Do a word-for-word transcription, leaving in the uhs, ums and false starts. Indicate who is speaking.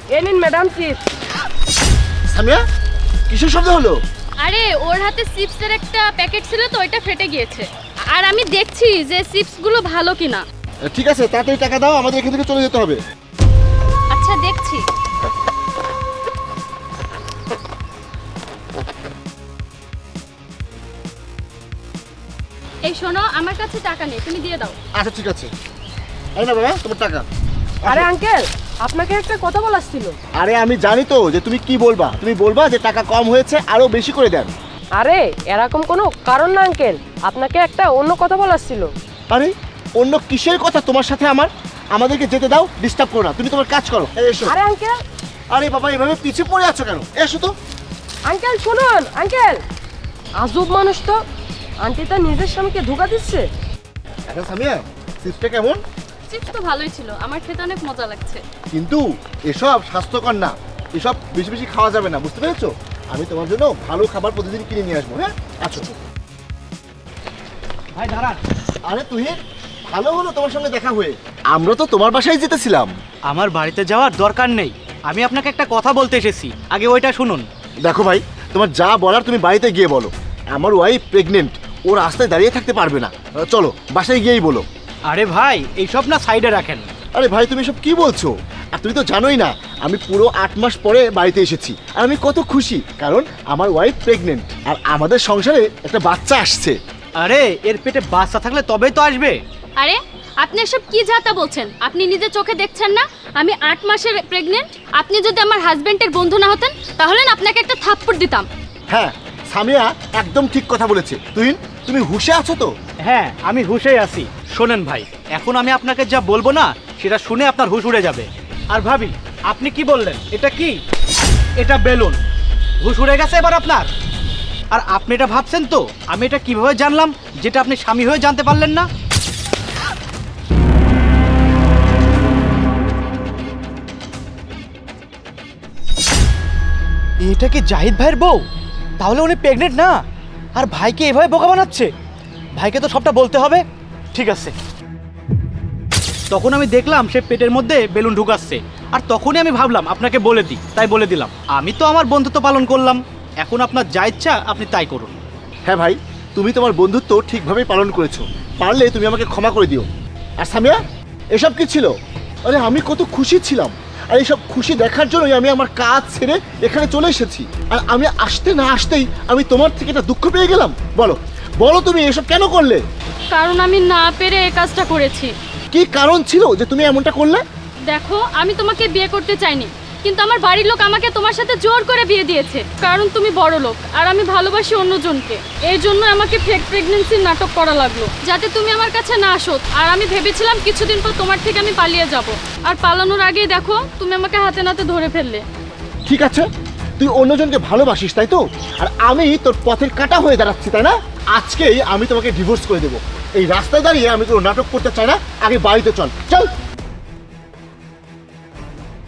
Speaker 1: এ নিন madam chips.
Speaker 2: Samia, কিসের শব্দ হলো?
Speaker 3: আরে ওর হাতে চিপসের একটা প্যাকেট ছিল তো, ওইটা ফেটে গিয়েছে। আর আমি দেখছি যে চিপসগুলো ভালো কিনা।
Speaker 2: ঠিক আছে, তাড়াতাড়ি টাকা দাও, আমাদের এখান থেকে চলে যেতে হবে।
Speaker 3: আচ্ছা দেখছি। এই শোনো, আমার কাছে টাকা নেই, তুমি দিয়ে দাও।
Speaker 2: আচ্ছা ঠিক আছে, এই না বাবা তোমার টাকা।
Speaker 1: আরে আঙ্কেল, আপনাকে একটা কথা বলার ছিল।
Speaker 2: আরে আমি জানি তো যে তুমি কি বলবা, তুমি বলবা যে টাকা কম হয়েছে, আরো বেশি করে দেন।
Speaker 1: আরে এরকম কোনো কারণ না আঙ্কেল, আপনাকে একটা অন্য কথা বলার ছিল।
Speaker 2: আরে অন্য কিসের কথা তোমার সাথে আমার? আমাদেরকে যেতে দাও, ডিস্টার্ব করো না, তুমি তোমার কাজ করো। এই এসো।
Speaker 1: আরে আঙ্কেল,
Speaker 2: আরে বাবা এভাবে পিছে পড়ে আছো কেন? এসো তো।
Speaker 1: আঙ্কেল শুনুন আঙ্কেল, আজব মানুষ তো, আন্টি তার নিজের স্বামীকে ধোঁকা দিচ্ছে।
Speaker 2: আচ্ছা সামিয়া, চিপসটা কেমন?
Speaker 3: চিপস তো ভালোই ছিল, আমার খেতে অনেক মজা লাগছে।
Speaker 2: কিন্তু এসব স্বাস্থ্যকর না, এসব বেশি বেশি খাওয়া যাবে না, বুঝতে পেরেছো? আমি তোমার জন্য ভালো খাবার প্রতিদিন কিনে নিয়ে আসবো। হ্যাঁ আচ্ছা
Speaker 4: ভাই দাঁড়ান।
Speaker 2: আরে তুই, ভালো হলো তোমার সঙ্গে দেখা হয়ে। আমরা তো তোমার বাসায় যেতেছিলাম।
Speaker 4: আমার বাড়িতে যাওয়ার দরকার নেই, আমি আপনাকে একটা কথা বলতে এসেছি, আগে ওইটা শুনুন।
Speaker 2: দেখো ভাই, তোমার যা বলার তুমি বাড়িতে গিয়ে বলো। আমার ওয়াইফ প্রেগনেন্ট, ও রাস্তায় দাঁড়িয়ে থাকতে পারবে না। চলো বাসায় গিয়েই বলো।
Speaker 4: আরে ভাই এইসব না সাইডে রাখেন।
Speaker 2: আরে ভাই তুমি সব কি বলছো? আর তুমি তো জানোই না, আমি পুরো আট মাস পরে বাড়িতে এসেছি, আর আমি কত খুশি, কারণ আমার ওয়াইফ প্রেগনেন্ট আর আমাদের সংসারে একটা বাচ্চা আসছে।
Speaker 4: আরে এর পেটে বাচ্চা থাকলে তবেই তো আসবে।
Speaker 3: আরে আপনি এসব কি যাতা বলছেন? আপনি নিজে চোখে দেখছেন না আমি আট মাসের প্রেগনেন্ট? আপনি যদি আমার হাজবেন্ডের বন্ধু না হতেন তাহলে না আপনাকে একটা থাপ্পড় দিতাম।
Speaker 2: হ্যাঁ সামিয়া একদম ঠিক কথা বলেছে। তুই তুমি হুঁশে আছো তো?
Speaker 4: হ্যাঁ আমি হুঁশেই আছি। শোনেন ভাই, এখন আমি আপনাকে যা বলবো না সেটা শুনে আপনার হুঁশ উড়ে যাবে। আর ভাবি আপনি কি বললেন? এটা কি? এটা বেলুন। হুঁশ উড়ে গেছে এবার আপনার? আর আপনি এটা ভাবছেন তো আমি এটা কিভাবে জানলাম যেটা আপনি স্বামী হয়ে জানতে পারলেন না? এটা কি জাহিদ ভাইয়ের বউ? তাহলে উনি প্রেগনেন্ট না, আর ভাইকে এভাবে বোকা বানাচ্ছে। ভাইকে তো সবটা বলতে হবে। ঠিক আছে। তখন আমি দেখলাম সে পেটের মধ্যে বেলুন ঢুকাচ্ছে, আর তখনই আমি ভাবলাম আপনাকে বলে দিই, তাই বলে দিলাম। আমি তো আমার বন্ধুত্ব পালন করলাম, এখন আপনার যা ইচ্ছা আপনি তাই করুন।
Speaker 2: হ্যাঁ ভাই, তুমি তোমার বন্ধুত্ব ঠিকভাবেই পালন করেছো, পারলে তুমি আমাকে ক্ষমা করে দিও। আর সামিয়া, এসব কি ছিল? আরে আমি কত খুশি ছিলাম, আর এইসব খুশি দেখার জন্যই আমি আমার কাজ ছেড়ে এখানে চলে এসেছি। আর আমি আসতে না আসতেই আমি তোমার থেকে একটা দুঃখ পেয়ে গেলাম। বলো বলো তুমি এসব কেন করলে?
Speaker 3: কারণ আমি না পেরে এই কাজটা করেছি।
Speaker 2: কি কারণ ছিল যে তুমি এমনটা করলে?
Speaker 3: দেখো, আমি তোমাকে বিয়ে করতে চাইনি, কিন্তু আমার বাড়ির লোক আমাকে তোমার সাথে জোর করে বিয়ে দিয়েছে, কারণ তুমি বড় লোক আর আমি ভালোবাসি অন্যজনকে। এই জন্য আমাকে ফেক প্রেগনেন্সির নাটক করা লাগলো, যাতে তুমি আমার কাছে না আসো। আর আমি ভেবেছিলাম কিছুদিন পর তোমার থেকে আমি পালিয়ে যাব, আর পালানোর আগেই দেখো তুমি আমাকে হাতে নাতে ধরে ফেললে।
Speaker 2: ঠিক আছে, তুই অন্যজনকে ভালোবাসিস তাই তো, আর আমি তোর পথের কাঁটা হয়ে দাঁড়াচ্ছি তাই না? আজকেই আমি তোমাকে ডিভোর্স করে দেবো। এই রাস্তায় দাঁড়িয়ে আমি কোনো নাটক করতে চাই না, আগে বাড়িতে চল। চল।